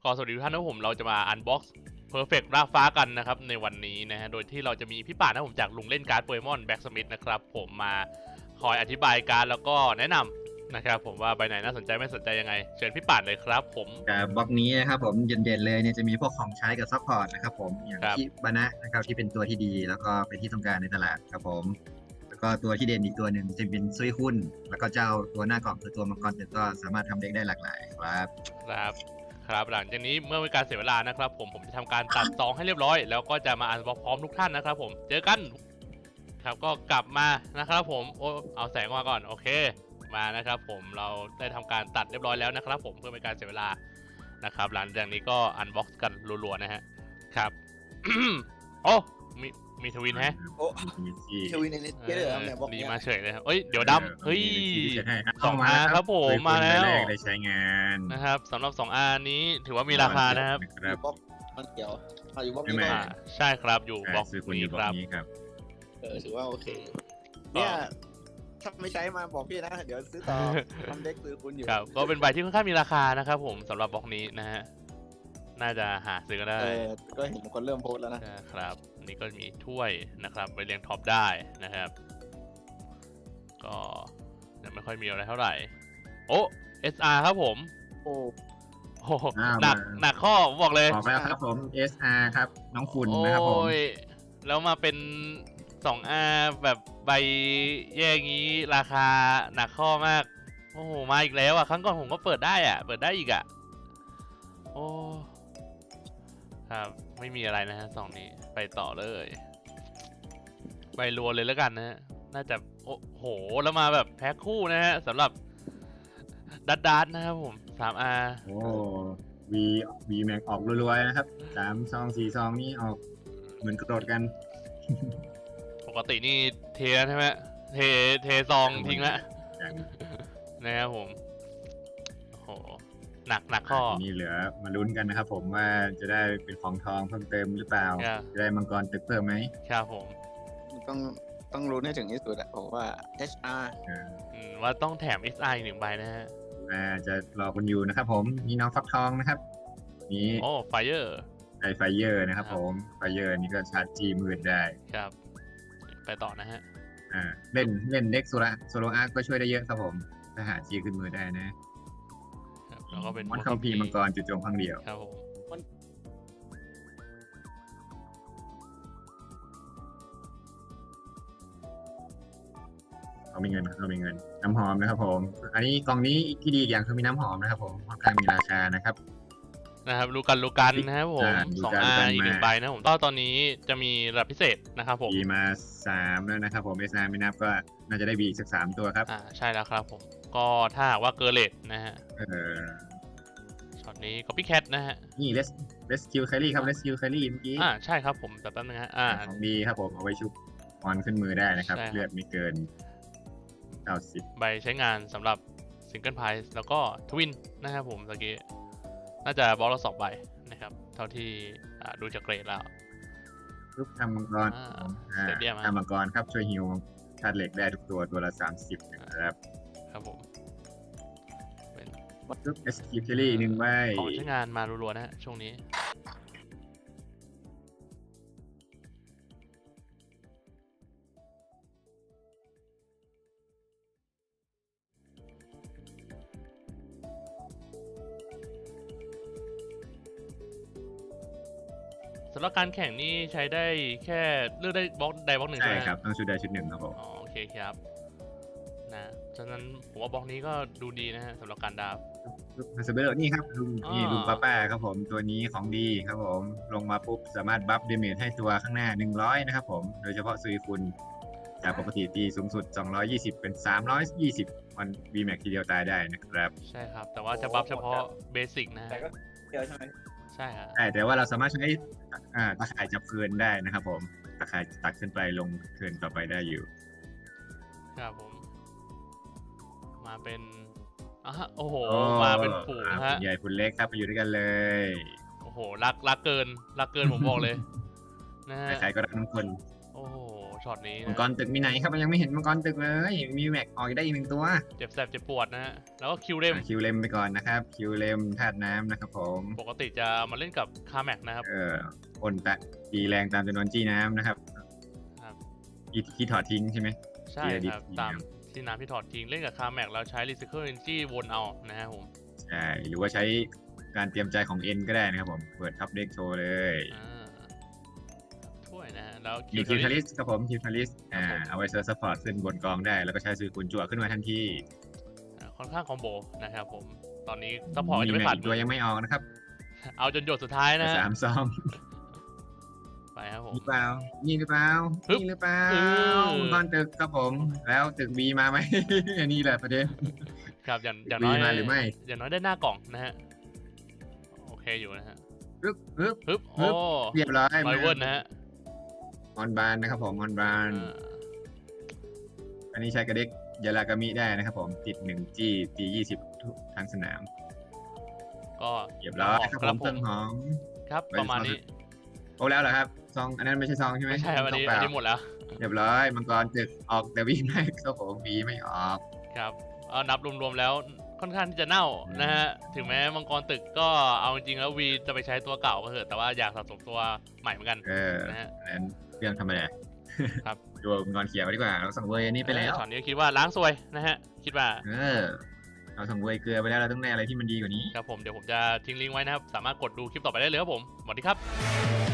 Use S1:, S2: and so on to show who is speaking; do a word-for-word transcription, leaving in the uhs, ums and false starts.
S1: ก็สวัสดีทุกท่านนะผมเราจะมาอันบ็อกซ์เพอร์เฟกต์รากฟ้ากันนะครับในวันนี้นะฮะโดยที่เราจะมีพี่ป่านนะผมจากลุงเล่นการ์ดโปเกมอนแบ็กสมิธนะครับผมมาคอยอธิบายการ์ดแล้วก็แนะนำนะครับผมว่าใบไหนน่าสนใจไม่สนใจยังไงเชิญพี่ป่านเลยครับผม
S2: กับบล็อกนี้นะครับผมเด่นๆเลยเนี่ยจะมีพวกของใช้กับซัพพอร์ตนะครับผมอย่าง
S1: ครับ
S2: คิบานะนะครับที่เป็นตัวที่ดีแล้วก็เป็นที่ต้องการในตลาดครับผมแล้วก็ตัวที่เด่นอีกตัวหนึ่งจะเป็นซุยคุนแล้วก็เจ้าตัวหน้ากล่องคือตัวมังกรเต็ก็สามารถทำเด็กได้หลากหลายครับ
S1: ครับครับหลังจากนี้เมื่อเป็นการเสียเวลานะครับผมผมจะทำการตัดซองให้เรียบร้อยแล้วก็จะมาอันบ็อกพร้อมทุกท่านนะครับผมเจอกันครับก็กลับมานะครับผมโอ้เอาแสงมาก่อนโอเคมานะครับผมเราได้ทำการตัดเรียบร้อยแล้วนะครับผมเพื่อเป็นการเสียเวลานะครับหลังจากนี้ก็อันบ็อกซ์กันรัวๆนะฮะครับ โอ้มีมีทวินแฮะ
S3: โอ้
S2: มีที่
S3: เชวินในเน็ตเกอร์ครับเนี่ยบอก
S1: ดี
S3: เนี่ย
S1: มาเฉยเลยครับเอ้ยเดี๋ยวดำเฮ้ย
S2: สองอา
S1: ครับผมมาแล้ว
S2: แรกได้ใช้งาน
S1: นะครับสำหรับ สอง อาร์ นี้ถือว่ามีราคานะครับ
S2: ครับ
S3: บล็อกมันเกี่ยวอ่ะอยู่บล็อก
S2: ไม่
S3: นี้
S2: ไม่
S3: ก็
S1: อ่าใช่ครับอยู่บล็อก
S2: ซื้อคุณอ
S1: นี้
S2: ยู่บ
S1: ค
S2: ล็อก
S1: รับ
S2: นี้ครับ
S3: เออถือว่าโอเค เนี่ยถ้าไม่ใช้มาบอกพี่นะ เดี๋ยวซื้อต่อทำเด็กซื้อคุณอยู่
S1: ครับก็เป็นใบที่ค่อนข้างมีราคานะครับผมสำหรับบล็อกนี้นะฮะน่าจะหาซื้อกันได้
S3: เออก็เห็นคนเริ่มโพสต์แล้วนะ
S1: นะครับอันนี่ก็มีถ้วยนะครับไปเรียงท็อปได้นะครับ ก็ยังไม่ค่อยมีอะไรเท่าไหร่โอ้ เอส อาร์ ครับผม
S3: โอ้
S1: โอ้โห
S2: อ้าว
S1: หนัก
S2: มา
S1: หนักข้อผมบอกเลย
S2: บอกแล้วครับผม เอส อาร์ ครับน้องคุณนะครับผม
S1: โอ้ยแล้วมาเป็น สอง อาร์ แบบใบแย่งี้ราคาหนักข้อมาก โอ้โหมาอีกแล้วอ่ะครั้งก่อนผมก็เปิดได้อ่ะ เปิดได้อีกอ่ะ โอ้ครับไม่มีอะไรนะฮะสองนี้ไปต่อเลยไปรัวเลยแล้วกันนะฮะน่าจะโอ้โหแล้วมาแบบแพ็คคู่นะฮะสำหรับดัดดัดนะครับผม สาม อาร์
S2: โอ้วีวีแม็กออกรัวๆนะครับสามซองสี่ซองนี่ออกเหมือนกระโดดกัน
S1: ปกตินี่เทแล้วใช่ไหมเทเทซองทิ้งละ
S2: อย่าง
S1: นะครับผมโอ้โหหนักหนักข้อ
S2: ทีนี้เหลือมาลุ้นกันนะครับผมว่าจะได้เป็นของทองเพิ่มเติมหรือเปล่า
S1: ครับ
S2: จะได้มังกรตึกเพิ่มไหม
S1: ครับผม
S3: ต้องต้องรู้ให้ถึงที่สุดอะผมว่า เอช อาร์
S2: อ่า
S1: อืมว่าต้องแถม เอส ไอ หนึ่งใบนะฮะ
S2: อ่าจะรอคุณอยู่นะครับผมมีน้องฟักทองนะครับนี่
S1: โอ้ไฟเออร์
S2: ไอไฟเยอร์นะครับ
S1: ครับ
S2: ผมไฟเยอร์นี่ก็ชาร์จจีมืดได้
S1: ครับ ไปต่อนะฮะ
S2: อ่าเล่นเล่นเด็กโซลาโซโลอาร์ก็ช่วยได้เยอะครับผมถ้าหาจีขึ้นมือได้นะครับ
S1: แล้วก็เป็น
S2: มอนคัมพีร์มังกรจุดโจมครั้งเดียว
S1: ครับผม
S2: เขามีเงินเขามีเงินน้ำหอมนะครับผม อันนี้กล่องนี้ที่ดีอีกอย่างคือมีน้ำหอมนะครับผมค่อนข้างมีราคานะครับ
S1: นะครับลูกันลูกันนะครับผม
S2: อ่าลู
S1: สอง
S2: กัน
S1: อา
S2: ลูกัน
S1: ร์อีกหนึ่ง
S2: มา
S1: ใบนะผมตอนตอนนี้จะมีระดับพิเศษนะครับผม
S2: บีมาสามแล้วนะครับผมเอสนาไม่นับก็น่าจะได้บีอีกสักสามตัวครับ
S1: อ่าใช่แล้วครับผม ก็ถ้าหากว่าเกอร์เลตนะฮะ
S2: เออ
S1: ช็อตนี้ก็พี่แคทนะฮะ
S2: นี่เลสเลสคิวแครี่ครับเลสคิวแครี่เมื่อกี้
S1: อ่าใช่ครับผมแต่แป๊บนึงฮะอ่า
S2: ของดีครับผมเอาไว้ชุบออนขึ้นมือได้นะครับ
S1: ใช่ครับ
S2: เลือดไม่เกินเก้าสิบ
S1: ใบใช้งานสำหรับซิงเกิลไพรส์แล้วก็ทวินนะครับผมตะกี้น่าจะบล็อกละสองใบนะครับเท่าที่อ่าดูจากเกรดแล้ว
S2: ลูกทำมังกร
S1: อ่า
S2: อ่า
S1: เสร็จเรียบร้อย
S2: ทำมังกรครับช่วยฮิวธาตุเหล็กได้ทุกตัวตัวละสามสิบนะครับ
S1: ครับผมเป็น
S2: ลูกเอสคิวแครี่หนึ่งใบ
S1: ของใช้งานมารัวๆนะฮะช่วงนี้สำหรับการแข่งนี่ใช้ได้แค่เลือกได้บล็อกใดบล็อกหนึ่ง
S2: ใช่
S1: ใช่ไหม
S2: ครับต้องชุดใดชุดหนึ่งครับผม
S1: อ๋อโอเคครับนะฉะนั้นผมว่าบล็อกนี้ก็ดูดีนะฮะสำหรับการดราฟ
S2: ลูกฮัสเบอร์นี่ครับลุง
S1: อ๋อ
S2: นี่ลุงป้าป้าครับผมตัวนี้ของดีครับผมลงมาปุ๊บสามารถบัฟเดเมจให้ตัวข้างหน้าหนึ่งร้อยนะครับผมโดยเฉพาะซุยคุณจากปกติตีสูงสุดสองร้อยยี่สิบเป็นสามร้อยยี่สิบมันวีแม็กทีเดียวตายได้นะครับ
S1: ใช่ครับ แต่ว่าจะบัฟเฉพาะเบสิกนะ
S3: แต่
S1: ฮะ
S3: ก็เดียวใช่ไหม
S1: ใช่ครับ
S2: ใช่แต่ว่าเราสามารถใช้อ่าตะข่ายจับคืนได้นะครับผมตะข่ายตัดขึ้นไปลงคืนต่อไปได้อยู่
S1: ครับผม มาเป็นอ่ะฮะโอ้โห
S2: โอ้
S1: มาเป็นฝูง
S2: อ่า
S1: ฮะ
S2: คุณใหญ่คุณเล็กครับไปอยู่ด้วยกันเลย
S1: โอ้โหรักรักเกินรักเกินผมบอกเลย นะฮะ
S2: ใครๆก็รักทั้งคน
S1: โอ้โหช็อตนี้
S2: มัง
S1: นะ
S2: กรตึกมีไหนครับมันยังไม่เห็นมังกรตึกเลยมีแม็กออกได้อีกหนึ่งตัว
S1: เจ็บแสบเจ็บปวดนะฮะแล้วก็คิวเรม
S2: อ่ะคิวเลมไปก่อนนะครับคิวเลมธาตุน้ำนะครับผม
S1: ปกติจะมาเล่นกับคาแม็กนะครับ
S2: เออพ่นตะตีแรงตามจำนวนจี้น้ำนะครับ
S1: ครับ
S2: ที่ที่ถอดทิ้งใช่ไหม
S1: ใช่
S2: เกียร์ดิ
S1: ครับ
S2: บ
S1: ตามที่น้ำที่ถอดทิ้งเล่นกับคาแม็กแล้วใช้ Recycle Energy วนเอานะฮะผม
S2: ใช่หรือว่าใช้การเตรียมใจของเอ็นก็ได้นะครับผมเปิดท็อปเด็กโชว์เลย
S1: อ่าถ้วยนะฮะแล้ว
S2: มี
S1: คิ
S2: คิ
S1: ว
S2: ว
S1: เท
S2: ทา
S1: อ
S2: ริ
S1: ริ
S2: สครับผมคิวทาริสอ่า
S1: ครับผม
S2: เอาไว้เซิร์ฟซัพพอร์ตขึ้นบนกองได้ แล้วก็ใช้ซื้อกุญจั่วขึ้นมาทันที
S1: ค่อนข้างคอมโบนะครับผมตอนนี้ซัพพอร์ตจะไม่
S2: แม็
S1: ผ่าน
S2: กตัวยังไม่ออกนะครับ
S1: เอาจนหยดสุดท้ายนะฮะ
S2: สามซอง
S1: ไปครับผม
S2: หรือเปล่านี่หรือเปล่า
S1: ฮึบ
S2: นี่หรือเปล่า
S1: เออ
S2: มังกรตึกครับผม แล้วตึกบีมาไหม อันนี้แหละประเด็น
S1: ครับอย่างอย่าง
S2: มี
S1: น้อย
S2: มาหรือไม่
S1: อย่างน้อยได้หน้ากล่องนะฮะโอเคอยู่นะฮะ
S2: ปึ๊บปึ๊บ
S1: ฮึบ
S2: ฮึ
S1: โอ้
S2: บ เรียบร้อย
S1: ไบเวิร์นนะฮะ
S2: ออนบานนะครับผมออนบาน
S1: อ่า
S2: อันนี้ใช้กระเด็กยารากามิได้นะครับผมติดหนึ่งจี้ตียี่สิบทั้งสนาม
S1: ก็
S2: เรียบร้อยครับ
S1: ค
S2: ผ
S1: รับ
S2: ม
S1: ผ
S2: ต้
S1: ม
S2: นหอม
S1: ครับประมาณนี้
S2: โอ้แล้วเหรอครับซองอันนั้นไม่ใช่ซองใช่ไหม
S1: ไม่ใช่วันนี้
S2: ซงเป
S1: อัน
S2: ล่า
S1: นี้หมดแล้ว
S2: เรียบร้อยมังกรตึกออกแต่วีไม่ครับผมวีไม่ออก
S1: ครับเอานับรวมๆแล้วค่อนข้างที่จะเน่านะฮะถึงแม้มังกรตึกก็เอาจริงๆแล้ววีจะไปใช้ตัวเก่าก็เถอะแต่ว่าอยากสะสมตัวใหม่เหมือนกัน
S2: เออ
S1: นะฮะ
S2: อันนั้นเรื่องธรรมดา
S1: ครับ
S2: ดูมังกรเขียวดีกว่าเราสั่งเวอร์อันนี้ไปแล้ว
S1: ช็อตนี้คิดว่าล้างซวยนะฮะคิดว่า
S2: เออเราสั่งเวอร์เกลือไปแล้วเราต้องได้อะไรที่มันดีกว่านี้
S1: ครับผมเดี๋ยวผมจะทิ้งลิงก์ไว้นะครับ สามารถกดดูคลิปต่อไปได้เลยครับผม สวัสดีครับ